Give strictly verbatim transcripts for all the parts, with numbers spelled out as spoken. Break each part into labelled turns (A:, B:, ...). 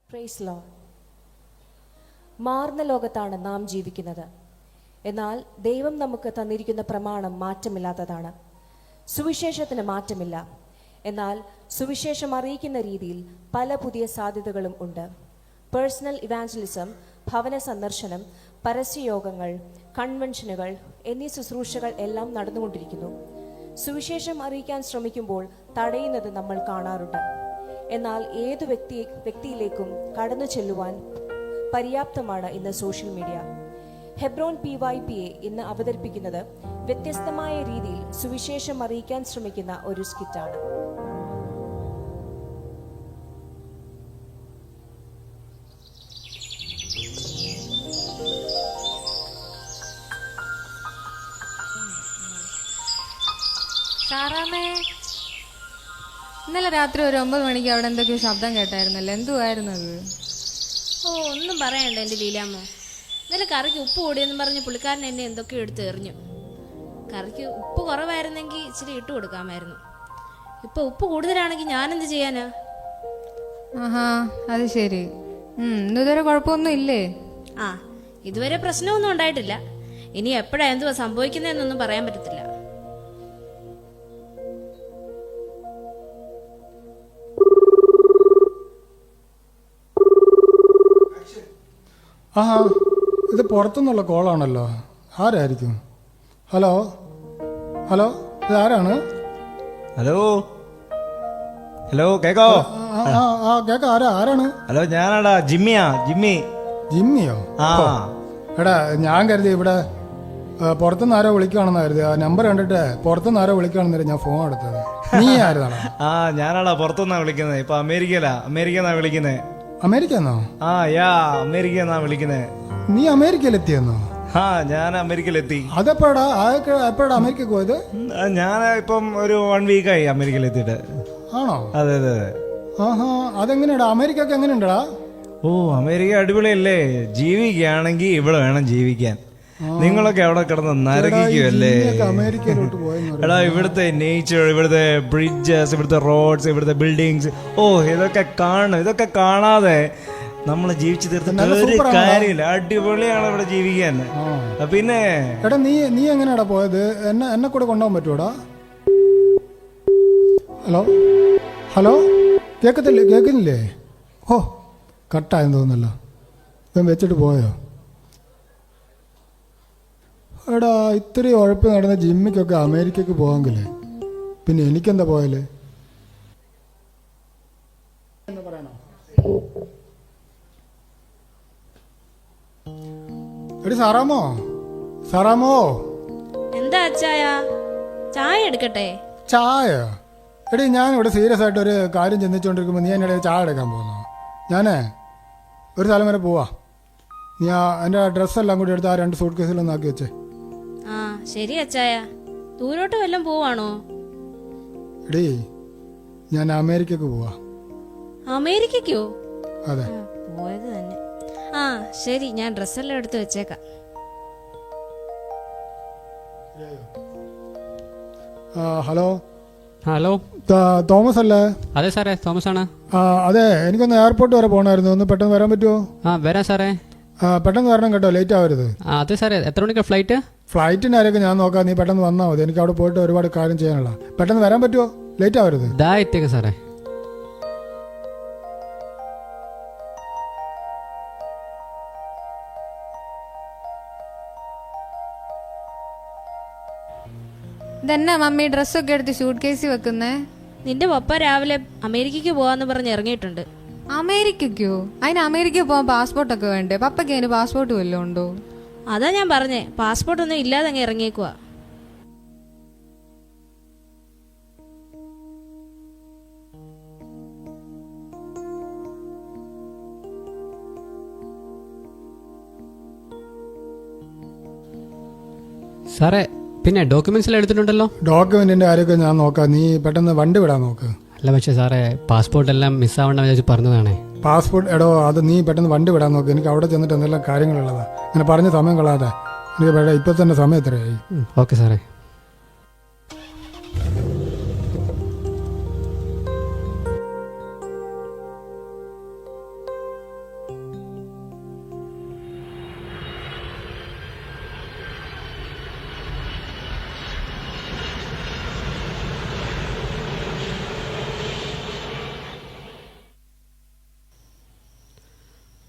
A: Praise Lord. മാറുന്ന ലോകത്താണ് നാം ജീവിക്കുന്നത്. എന്നാൽ ദൈവം നമുക്ക് തന്നിരിക്കുന്ന പ്രമാണം മാറ്റമില്ലാത്തതാണ്. സുവിശേഷത്തിന് മാറ്റമില്ല. എന്നാൽ സുവിശേഷം അറിയിക്കുന്ന രീതിയിൽ പല പുതിയ സാധ്യതകളും ഉണ്ട്. പേഴ്സണൽ ഇവാഞ്ചലിസം, ഭവന സന്ദർശനം, പരസ്യയോഗങ്ങൾ, കൺവെൻഷനുകൾ എന്നീ ശുശ്രൂഷകൾ എല്ലാം നടന്നുകൊണ്ടിരിക്കുന്നു. സുവിശേഷം അറിയിക്കാൻ ശ്രമിക്കുമ്പോൾ തടയുന്നത് നമ്മൾ കാണാറുണ്ട്. എന്നാൽ ഏതു വ്യക്തി വ്യക്തിയിലേക്കും കടന്നു ചെല്ലുവാൻ പര്യാപ്തമാണ് ഇന്ന് social media. Hebron P Y P A ഇന്ന് അവതരിപ്പിക്കുന്നത് വ്യത്യസ്തമായ രീതിയിൽ സുവിശേഷം അറിയിക്കാൻ ശ്രമിക്കുന്ന ഒരു സ്കിറ്റാണ്.
B: സാറാമേ, ഇന്നലെ രാത്രി ഒരു ഒമ്പത് മണിക്ക് അവിടെ എന്തൊക്കെയോ ശബ്ദം കേട്ടായിരുന്നല്ലോ, എന്തുവായിരുന്നു അത്?
C: ഓ, ഒന്നും പറയണ്ട എൻ്റെ ലീലാമ്മ. ഇന്നലെ കറിക്ക് ഉപ്പ് കൂടിയെന്ന് പറഞ്ഞ് പുള്ളിക്കാരൻ എന്നെ എന്തൊക്കെയോ എടുത്ത് എറിഞ്ഞു. കറിക്ക് ഉപ്പ് കുറവായിരുന്നെങ്കിൽ ഇച്ചിരി ഇട്ട് കൊടുക്കാമായിരുന്നു. ഇപ്പൊ ഉപ്പ് കൂടുതലാണെങ്കിൽ ഞാനെന്ത് ചെയ്യാനാ?
B: ആഹാ, അത് ശരി. ഉം ഇതുവരെ കുഴപ്പമൊന്നും ഇല്ലേ?
C: ആ, ഇതുവരെ പ്രശ്നമൊന്നും ഉണ്ടായിട്ടില്ല. ഇനി എപ്പോഴാ എന്തുവാ സംഭവിക്കുന്നതെന്നൊന്നും പറയാൻ പറ്റത്തില്ല.
D: ആ, ഇത് പുറത്തുനിന്നുള്ള കോളാണല്ലോ. ആരായിരിക്കും? ഹലോ ഹലോ ഇത് ആരാണ്?
E: ഹലോ ഹലോ കേക്കോ?
D: ആ, ആ, ആ കേക്ക. ആരാ ആരാണ്?
E: ഹലോ, ഞാനാടാ ജിമ്മിയാ. ജിമ്മി.
D: ജിമ്മിയോ?
E: ആ
D: ഓ, എടാ ഞാൻ കരുതി ഇവിടെ പുറത്തുനിന്ന് ആരോ വിളിക്കുകയാണെന്ന് കരുതി. ആ നമ്പർ കണ്ടിട്ട് പുറത്തുനിന്ന് ആരോ വിളിക്കുകയാണെന്ന് ഞാൻ ഫോൺ എടുത്തത്. നീ ആരുന്നാണ്?
E: ആ ഞാനാടാ പുറത്തുനിന്നാ വിളിക്കുന്നത്. ഇപ്പൊ അമേരിക്കയിലാ. അമേരിക്കന്നാ വിളിക്കുന്നത്.
D: അമേരിക്കന്നോ?
E: ആ യാ അമേരിക്കന്നാ വിളിക്കുന്നത്.
D: നീ അമേരിക്കയിലെത്തിയെന്നോ?
E: ആ ഞാൻ അമേരിക്കയിലെത്തി.
D: അതെപ്പോടാ എപ്പോഴാ അമേരിക്കക്ക് പോയത്?
E: ഞാൻ ഇപ്പം ഒരു വൺ വീക്കായി അമേരിക്കയിലെത്തിയിട്ട്.
D: ആണോ?
E: അതെ അതെ അതെ.
D: ആഹാ, അതെങ്ങനെയാടാ? അമേരിക്കക്ക് എങ്ങനെയുണ്ടടാ?
E: ഓ, അമേരിക്ക അടിപൊളിയല്ലേ. ജീവിക്കുകയാണെങ്കിൽ ഇവിടെ വേണം ജീവിക്കാൻ. നിങ്ങളൊക്കെ അവിടെ കിടന്ന് നരകിക്കുമല്ലേ.
D: അമേരിക്കയിലോട്ട് പോയെന്ന്
E: എടാ, ഇവിടുത്തെ നേച്ചർ, ഇവിടുത്തെ ബ്രിഡ്ജസ്, ഇവിടുത്തെ റോഡ്സ്, ഇവിടുത്തെ ബിൽഡിങ്സ്, ഓ ഇതൊക്കെ കാണണം. ഇതൊക്കെ കാണാതെ നമ്മൾ ജീവിച്ചു തീർത്തിട്ട് ഒരു കാര്യമില്ല. അടിപൊളിയാണ് ഇവിടെ ജീവിക്കാൻ. പിന്നെ
D: എടാ, നീ നീ എങ്ങനെയാടാ പോയത്? എന്നെ എന്നെ കൂടെ കൊണ്ടുപോകാൻ പറ്റുമോടാ? Hello hello കേൾക്കത്തില്ലേ? കേൾക്കുന്നില്ലേ? ഓ, കട്ടായെന്ന് തോന്നുന്നല്ലോ. ഇപ്പം വെച്ചിട്ട് പോയോ? എടാ, ഇത്രയും ഉഴപ്പ് നടന്ന ജിമ്മിക്കൊക്കെ അമേരിക്കക്ക് പോകാമെങ്കിലേ പിന്നെ എനിക്കെന്താ പോയാലേ? എന്ന് പറയണോ? എടി സാറാമോ, സാറാമോ.
C: എന്താ അച്ചായ? ചായ എടുക്കട്ടെ?
D: ചായ? എടി ഞാൻ ഇവിടെ സീരിയസ് ആയിട്ട് ഒരു കാര്യം ചിന്തിച്ചുകൊണ്ടിരിക്കുമ്പോൾ നീ എൻ്റെ ചായ എടുക്കാൻ പോകുന്നു. ഞാനേ ഒരു സ്ഥലം വരെ പോവാ. നീ ആ എൻ്റെ ഡ്രസ്സെല്ലാം കൂടി എടുത്ത് ആ രണ്ട് സൂട്ട് കേസിലൊന്നും ആക്കി വെച്ചേ.
C: ആ ശരി അച്ചായ. ദൂരോട്ട് വല്ലതും പോവാണോ?
D: എടീ, ഞാൻ അമേരിക്കക്ക് പോവാ.
C: അമേരിക്കയ്ക്കോ?
D: അതെ.
C: പോയത് തന്നെ. ആ ശരി, ഞാൻ ഡ്രസ്സെല്ലാം എടുത്ത് വെച്ചേക്കാം.
D: ഹലോ
F: ഹലോ,
D: തോമസ് അല്ലേ?
F: അതെ സാറേ, തോമസ് ആണ്.
D: ആ അതെ, എനിക്കൊന്ന് എയർപോർട്ട് വരെ പോകണമായിരുന്നു. ഒന്ന് പെട്ടെന്ന് വരാൻ പറ്റുമോ?
F: ആ വരാം സാറേ.
D: പെട്ടെന്ന് വരണം കേട്ടോ, ലേറ്റ് ആവരുത്.
F: ആ അതെ സാറേ, എത്ര മണിക്കാണ് ഫ്ലൈറ്റ്?
D: ഫ്ലൈറ്റിൻ്റെ ആരൊക്കെ ഞാൻ നോക്കാം. നീ പെട്ടെന്ന് വന്നാൽ മതി. എനിക്ക് അവിടെ പോയിട്ട് ഒരുപാട് കാര്യം ചെയ്യാനുള്ള. പെട്ടെന്ന് വരാൻ പറ്റുമോ? ലേറ്റ് ആവരുത്.
F: ദാ എത്തിയേക്കാം സാറേ.
B: ഇതെന്നാ മമ്മി ഡ്രസ്സൊക്കെ എടുത്ത് ഷൂട്ട് കേസിൽ വെക്കുന്നേ?
C: നിന്റെ പപ്പ രാവിലെ അമേരിക്കയ്ക്ക് പോവാന്ന് പറഞ്ഞ് ഇറങ്ങിയിട്ടുണ്ട്.
B: അമേരിക്കയ്ക്കോ? അതിന് അമേരിക്കയിൽ പോകാൻ പാസ്പോർട്ടൊക്കെ വേണ്ടേ? പപ്പയ്ക്ക് അതിന് പാസ്പോർട്ട് വല്ലതും ഉണ്ടോ?
C: അതാ ഞാൻ പറഞ്ഞേ, പാസ്പോർട്ട് ഒന്നും ഇല്ലാതെ അങ്ങ് ഇറങ്ങിയേക്കുവാ.
F: സാറേ, പിന്നെ ഡോക്യുമെന്റ്സ് എല്ലാം എടുത്തിട്ടുണ്ടല്ലോ?
D: ഡോക്യുമെന്റിന്റെ കാര്യമൊക്കെ ഞാൻ നോക്കാം. നീ പെട്ടെന്ന് വണ്ടി വിടാൻ നോക്ക്.
F: അല്ല പക്ഷേ സാറേ, പാസ്പോർട്ട് എല്ലാം മിസ്സാവണ്ട വിചാരിച്ച് പറഞ്ഞതാണേ.
D: പാസ്പോർട്ട് എടോ, അത് നീ പെട്ടെന്ന് വണ്ടി വിടാൻ നോക്ക്. എനിക്ക് അവിടെ ചെന്നിട്ട് എന്തെല്ലാം കാര്യങ്ങളുള്ളതാ. അങ്ങനെ പറഞ്ഞ സമയം കളയാതെ. എനിക്ക് ഇപ്പൊ തന്നെ സമയം എത്രയായി?
F: ഓക്കെ സാറേ.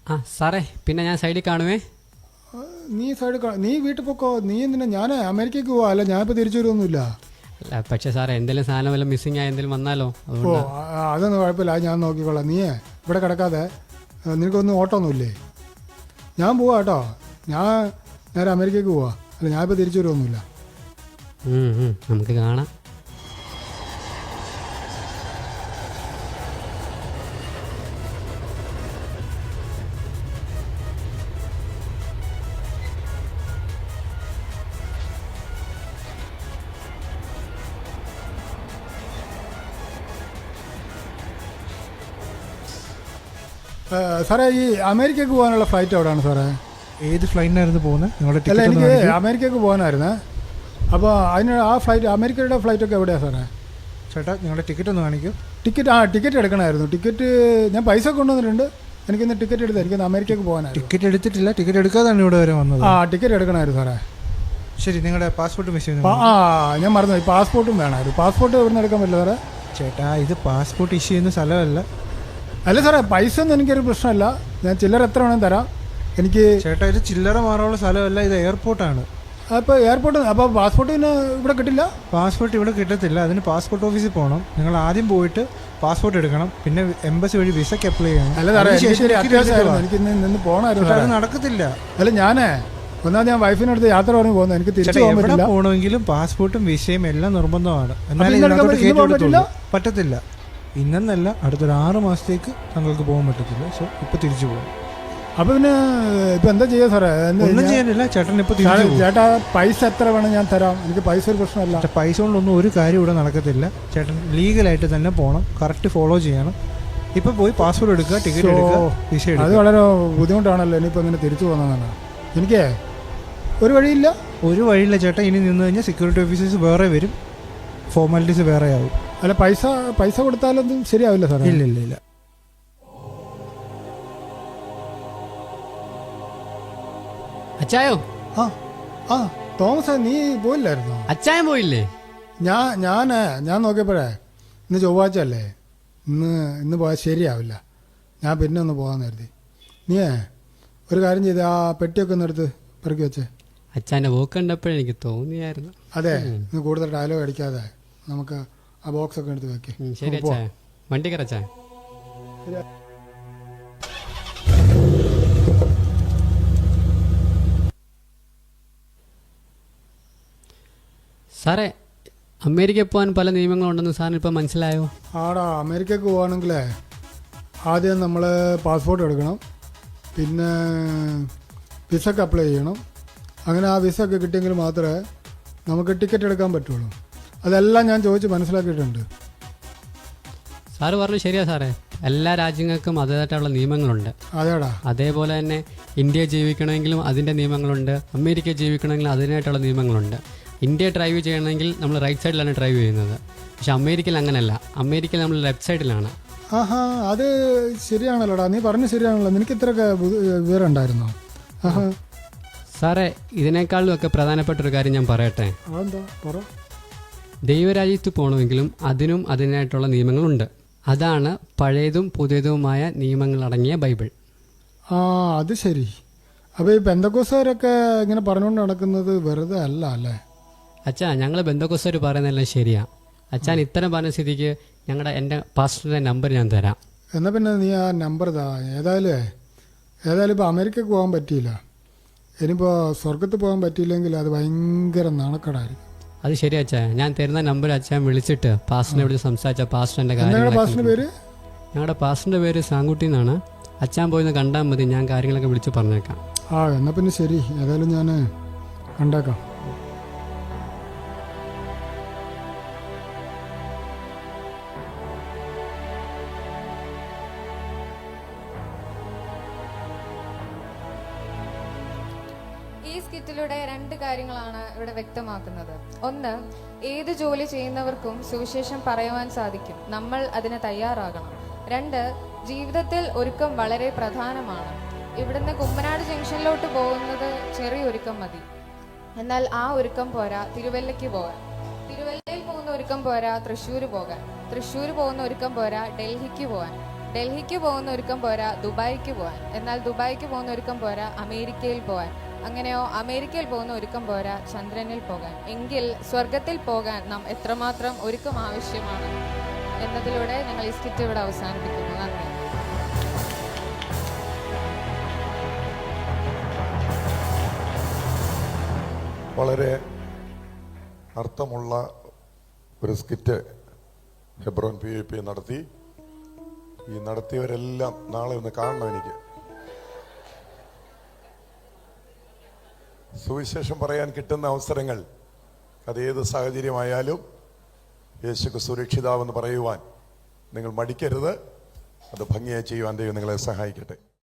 F: ആ സാറേ പിന്നെ ഞാൻ സൈഡിൽ കാണുവേ.
D: ആ, നീ സൈഡ് നീ വീട്ടിൽ പൊക്കോ. നീ എന്തിനാ? ഞാൻ അമേരിക്കയ്ക്ക് പോവാ. അല്ല ഞാനിപ്പോൾ തിരിച്ചു വരുമൊന്നുമില്ല.
F: അല്ല പക്ഷേ സാറേ എന്തെങ്കിലും സാധനം വല്ല മിസ്സിങ് ആയി എന്തെങ്കിലും വന്നാലോ?
D: ഓ
F: അതുകൊണ്ട്
D: ആ, അതൊന്നും കുഴപ്പമില്ല. അത് ഞാൻ നോക്കിക്കൊള്ളാം. നീ ഇവിടെ കിടക്കാതെ ആ, നിനക്കൊന്നും ഓട്ടമൊന്നുമില്ലേ? ഞാൻ പോവാ കേട്ടോ. ഞാൻ നേരെ അമേരിക്കയ്ക്ക് പോവാ. അല്ല ഞാനിപ്പോൾ തിരിച്ചു വരുമൊന്നുമില്ല.
F: ഉം, ഉം, നമുക്ക് കാണാം.
D: ആ, സാറേ ഈ അമേരിക്കയ്ക്ക് പോകാനുള്ള ഫ്ലൈറ്റ് എവിടെയാണ് സാറേ?
G: ഏത് ഫ്ലൈറ്റിനായിരുന്നു പോകുന്നത്? നിങ്ങളുടെ
D: അല്ല
G: ടിക്കറ്റ്
D: എനിക്ക്
G: ഒന്ന് കാണിക്കൂ.
D: അമേരിക്കയ്ക്ക് പോകാനായിരുന്നേ. അപ്പോൾ അതിന് ആ ഫ്ലൈറ്റ് അമേരിക്കയുടെ ഫ്ലൈറ്റൊക്കെ എവിടെയാണ് സാറേ?
G: ചേട്ടാ നിങ്ങളുടെ ടിക്കറ്റ് ഒന്ന് കാണിക്കൂ.
D: ടിക്കറ്റ് ആ ടിക്കറ്റ് എടുക്കണമായിരുന്നു. ടിക്കറ്റ് ഞാൻ പൈസ കൊണ്ടുവന്നിട്ടുണ്ട്. എനിക്കിന്ന് ടിക്കറ്റ് എടുത്ത് എനിക്കിന്ന് അമേരിക്കയ്ക്ക് പോകാനായിരുന്നു.
G: ടിക്കറ്റ് എടുത്തിട്ടില്ല, ടിക്കറ്റ് എടുക്കാതാണ് ഇവിടെ വരെ വന്നത്.
D: ആ ടിക്കറ്റ് എടുക്കണമായിരുന്നു സാറേ.
G: ശരി, നിങ്ങളുടെ പാസ്പോർട്ട് മിസ്
D: ആ
G: ചെയ്യുന്നു.
D: ആ, ഞാൻ മറന്നുപോയി. പാസ്പോർട്ടും വേണമായിരുന്നു. പാസ്പോർട്ട് എവിടെ നിന്ന് എടുക്കാൻ പറ്റില്ല സാറേ?
G: ചേട്ടാ ഇത് പാസ്പോർട്ട് ഇഷ്യൂ ചെയ്യുന്ന സ്ഥലമല്ല.
D: അല്ല സാറേ, പൈസ ഒന്നും എനിക്കൊരു പ്രശ്നമല്ല. ഞാൻ ചില്ലറ എത്ര വേണമെങ്കിലും തരാം. എനിക്ക്
G: ചേട്ടാ ഇത് ചില്ലറ മാറാനുള്ള സ്ഥലമല്ല, ഇത് എയർപോർട്ടാണ്.
D: അപ്പോൾ എയർപോർട്ട് അപ്പോൾ പാസ്പോർട്ട് പിന്നെ ഇവിടെ കിട്ടില്ല.
G: പാസ്പോർട്ട് ഇവിടെ കിട്ടത്തില്ല. അതിന് പാസ്പോർട്ട് ഓഫീസിൽ പോകണം. നിങ്ങൾ ആദ്യം പോയിട്ട് പാസ്പോർട്ട് എടുക്കണം, പിന്നെ എംബസി വഴി വിസയ്ക്ക് അപ്ലൈ ചെയ്യണം.
D: അല്ല സാറേ,
G: അതിനുശേഷം
D: എനിക്കൊരു
G: ടിക്കറ്റ്
D: അത്യാവശ്യമായിരുന്നു.
G: എടുക്കുക.
D: എനിക്ക് ഇന്ന് നിന്ന് പോകണമായിരുന്നു
G: ചേട്ടാ,
D: സാറേ.
G: അത് നടക്കത്തില്ല.
D: അല്ല ഞാനേ ഒന്നാമത് ഞാൻ വൈഫിനടുത്ത് യാത്ര പറഞ്ഞ് പോകുന്നത്. എനിക്ക് തിരിച്ചു
G: ചേട്ടാ
D: പോകാൻ
G: എവിടെ
D: പറ്റില്ല.
G: പോകണമെങ്കിലും പാസ്പോർട്ടും വിസയും എല്ലാം നിർബന്ധമാണ്. എന്നാലും
D: ഇന്ന് എടുക്കാൻ
G: ഇതിനകത്തോട്ട്
D: പറ്റില്ല?
G: കയറ്റി
D: ഇന്ന് പോകാൻ
G: വിടത്തുള്ളൂ. പറ്റത്തില്ല. ഇന്നെന്നല്ല, അടുത്തൊരു ആറ് മാസത്തേക്ക് താങ്കൾക്ക് പോകാൻ പറ്റത്തില്ല. സോ ഇപ്പൊ തിരിച്ചു പോകും.
D: അപ്പോൾ പിന്നെ ഇപ്പം എന്താ ചെയ്യുക സാറേ? എന്താ
G: ഒന്നും
D: ഞാൻ-
G: ചെയ്യാനില്ല, ചേട്ടൻ ഇപ്പൊ
D: സാറേ,
G: തിരിച്ചു പോകും.
D: ചേട്ടാ പൈസ എത്ര വേണം ഞാൻ തരാം. എനിക്ക് പൈസ ഒരു പ്രശ്നമല്ല.
G: ചേട്ടാ പൈസ കൊണ്ടൊന്നും ഒരു കാര്യം ഇവിടെ നടക്കത്തില്ല. ചേട്ടൻ ലീഗലായിട്ട് തന്നെ പോകണം, കറക്റ്റ് ഫോളോ ചെയ്യണം. ഇപ്പൊ പോയി പാസ്പോർട്ട് എടുക്കുക, ടിക്കറ്റ് എടുക്കുക, വിസ
D: അത്
G: എടുക്കുക.
D: വളരെ ബുദ്ധിമുട്ടാണല്ലോ ഇനിയിപ്പോൾ ഇങ്ങനെ തിരിച്ചു പോകുന്നതാണ്. എനിക്ക് ഒരു വഴിയില്ല.
G: ഒരു വഴിയില്ല ചേട്ടാ. ഇനി നിന്ന് കഴിഞ്ഞാൽ സെക്യൂരിറ്റി ഓഫീസേഴ്സ് വേറെ വരും, ഫോർമാലിറ്റീസ് വേറെ ആവും.
D: അല്ല പൈസ പൈസ കൊടുത്താലൊന്നും ശരിയാവില്ല സാറേ.
G: ഇല്ല ഇല്ല ഇല്ല.
F: അച്ചായോ
D: ആ ആ തോമസ് നീ പോയില്ലായിരുന്നോ?
F: അച്ചായൻ പോയില്ലേ?
D: ഞാൻ ഞാൻ ഞാൻ നോക്കിയപ്പോഴേ ഇന്ന് ചൊവ്വാഴ്ച അല്ലേ, ഇന്ന് ഇന്ന് പോയാൽ ശരിയാവില്ല. ഞാൻ പിന്നെ ഒന്ന് പോകാമെന്ന് കരുതി. നീയേ ഒരു കാര്യം ചെയ്ത് ആ പെട്ടിയൊക്കെ ഒന്ന് എടുത്ത് പെറുക്കി വെച്ചേ.
F: അച്ചാൻ്റെ പോക്ക് കണ്ടപ്പോഴെനിക്ക് തോന്നിയായിരുന്നു.
D: അതെ, ഇന്ന് കൂടുതൽ ഡയലോഗ് അടിക്കാതെ നമുക്ക് ആ ബോക്സ് ഒക്കെ എടുത്ത് വെക്കേ.
F: ഉം, ശരി അച്ചായ, വണ്ടി കയറച്ചായ. സാറേ അമേരിക്കയിൽ പോകാൻ പല നിയമങ്ങളുണ്ടെന്ന് സാറിന് ഇപ്പം മനസ്സിലായോ?
D: ആടാ, അമേരിക്കക്ക് പോവാണെങ്കിലേ ആദ്യം നമ്മൾ പാസ്പോർട്ട് എടുക്കണം, പിന്നെ വിസക്ക് അപ്ലൈ ചെയ്യണം. അങ്ങനെ ആ വിസ ഒക്കെ കിട്ടിയെങ്കിൽ മാത്രമേ നമുക്ക് ടിക്കറ്റ് എടുക്കാൻ പറ്റുള്ളൂ. അതെല്ലാം ഞാൻ ചോദിച്ച് മനസ്സിലാക്കിയിട്ടുണ്ട്.
F: സാറ് പറഞ്ഞു ശരിയാ സാറേ, എല്ലാ രാജ്യങ്ങൾക്കും അതിൻ്റെതായിട്ടുള്ള നിയമങ്ങളുണ്ട്.
D: അതേടാ.
F: അതേപോലെ തന്നെ ഇന്ത്യ ജീവിക്കണമെങ്കിലും അതിൻ്റെ നിയമങ്ങളുണ്ട്, അമേരിക്ക ജീവിക്കണമെങ്കിലും അതിനായിട്ടുള്ള നിയമങ്ങളുണ്ട്. ഇന്ത്യ ഡ്രൈവ് ചെയ്യണമെങ്കിൽ നമ്മൾ റൈറ്റ് സൈഡിലാണ് ഡ്രൈവ് ചെയ്യുന്നത്. പക്ഷെ അമേരിക്കയിൽ അങ്ങനെയല്ല, അമേരിക്കയിൽ നമ്മൾ ലെഫ്റ്റ് സൈഡിലാണ്.
D: ആഹാ, അത് ശരിയാണല്ലോടാ, നീ പറഞ്ഞ് ശരിയാണല്ലോ. നിനക്ക് ഇത്രയൊക്കെ വിവരം ഉണ്ടായിരുന്നോ? ആഹാ.
F: സാറേ ഇതിനേക്കാളും ഒക്കെ പ്രധാനപ്പെട്ട ഒരു കാര്യം ഞാൻ പറയട്ടെ.
D: അതെന്താ പറ.
F: ദൈവരാജ്യത്ത് പോകണമെങ്കിലും അതിനും അതിനായിട്ടുള്ള നിയമങ്ങളുണ്ട്. അതാണ് പഴയതും പുതിയതുമായ നിയമങ്ങളടങ്ങിയ ബൈബിൾ.
D: ആ അത് ശരി. അപ്പോൾ ഈ പെന്തക്കോസുകാരൊക്കെ ഇങ്ങനെ പറഞ്ഞുകൊണ്ട് നടക്കുന്നത് വെറുതെ അല്ല അല്ലേ?
F: അച്ഛാ, ഞങ്ങൾ ബന്ധുക്കോസർ പറയുന്നതെല്ലാം ശരിയാ. അച്ഛൻ ഇത്തരം പറഞ്ഞ സ്ഥിതിക്ക് ഞങ്ങളുടെ എൻ്റെ പാസ്റ്ററിൻ്റെ നമ്പർ ഞാൻ തരാം.
D: എന്നാൽ പിന്നെ നീ ആ നമ്പർ താ. ഏതായാലും ഏതായാലും ഇപ്പോൾ അമേരിക്കക്ക് പോകാൻ പറ്റിയില്ല. ഇനിയിപ്പോൾ സ്വർഗത്ത് പോകാൻ പറ്റിയില്ലെങ്കിൽ അത് ഭയങ്കര നാണക്കേടായിരിക്കും.
F: അത് ശരി അച്ഛാ, ഞാൻ തരുന്ന നമ്പർ അച്ഛൻ വിളിച്ചിട്ട് പാസ്റ്ററിനെ വിളിച്ച് സംസാരിച്ച പാസ്റ്ററിൻ്റെ
D: നിങ്ങളുടെ പാസ്റ്റിൻ്റെ പേര്?
F: ഞങ്ങളുടെ പാസ്റ്ററിൻ്റെ പേര് സാങ്കുട്ടി എന്നാണ്. അച്ഛൻ പോയിന്ന് കണ്ടാൽ മതി, ഞാൻ കാര്യങ്ങളൊക്കെ വിളിച്ച് പറഞ്ഞേക്കാം.
D: ആ എന്നാൽ പിന്നെ ശരി, ഏതായാലും ഞാൻ കണ്ടേക്കാം.
B: ഈ സ്കിറ്റിലൂടെ രണ്ട് കാര്യങ്ങളാണ് ഇവിടെ വ്യക്തമാക്കുന്നത്. ഒന്ന്, ഏത് ജോലി ചെയ്യുന്നവർക്കും സുവിശേഷം പറയുവാൻ സാധിക്കും, നമ്മൾ അതിന് തയ്യാറാകണം. രണ്ട്, ജീവിതത്തിൽ ഒരുക്കം വളരെ പ്രധാനമാണ്. ഇവിടുന്ന് കുമ്പനാട് ജംഗ്ഷനിലോട്ട് പോകുന്നത് ചെറിയൊരുക്കം മതി. എന്നാൽ ആ ഒരുക്കം പോരാ തിരുവല്ലയ്ക്ക് പോകാൻ. തിരുവല്ലയിൽ പോകുന്ന ഒരുക്കം പോരാ തൃശ്ശൂർ പോകാൻ. തൃശ്ശൂർ പോകുന്ന ഒരുക്കം പോരാ ഡൽഹിക്ക് പോകാൻ. ഡൽഹിക്ക് പോകുന്ന ഒരുക്കം പോരാ ദുബായിക്ക് പോകാൻ, എന്നാൽ ദുബായിക്ക് പോകുന്ന ഒരുക്കം പോരാ അമേരിക്കയിൽ പോകാൻ, അങ്ങനെയോ അമേരിക്കയിൽ പോകുന്ന ഒരുക്കം പോരാ ചന്ദ്രനിൽ പോകാൻ. എങ്കിൽ സ്വർഗത്തിൽ പോകാൻ നാം എത്രമാത്രം ഒരുക്കം ആവശ്യമാണ് എന്നതിലൂടെ ഞങ്ങൾ ഈ സ്കിറ്റ് ഇവിടെ അവസാനിപ്പിക്കുന്നു. നന്ദി.
H: വളരെ അർത്ഥമുള്ള ഒരു സ്കിറ്റ് ഹെബ്രോൻ പി പി നടത്തി. ഈ നടത്തിയവരെല്ലാം നാളെ ഒന്ന് കാണണം. എനിക്ക് സുവിശേഷം പറയാൻ കിട്ടുന്ന അവസരങ്ങൾ അതേത് സാഹചര്യമായാലും യേശുക്ക് സുരക്ഷിതാവെന്ന് പറയുവാൻ നിങ്ങൾ മടിക്കരുത്. അത് ഭംഗിയായി ചെയ്യുവാൻ ദൈവം നിങ്ങളെ സഹായിക്കട്ടെ.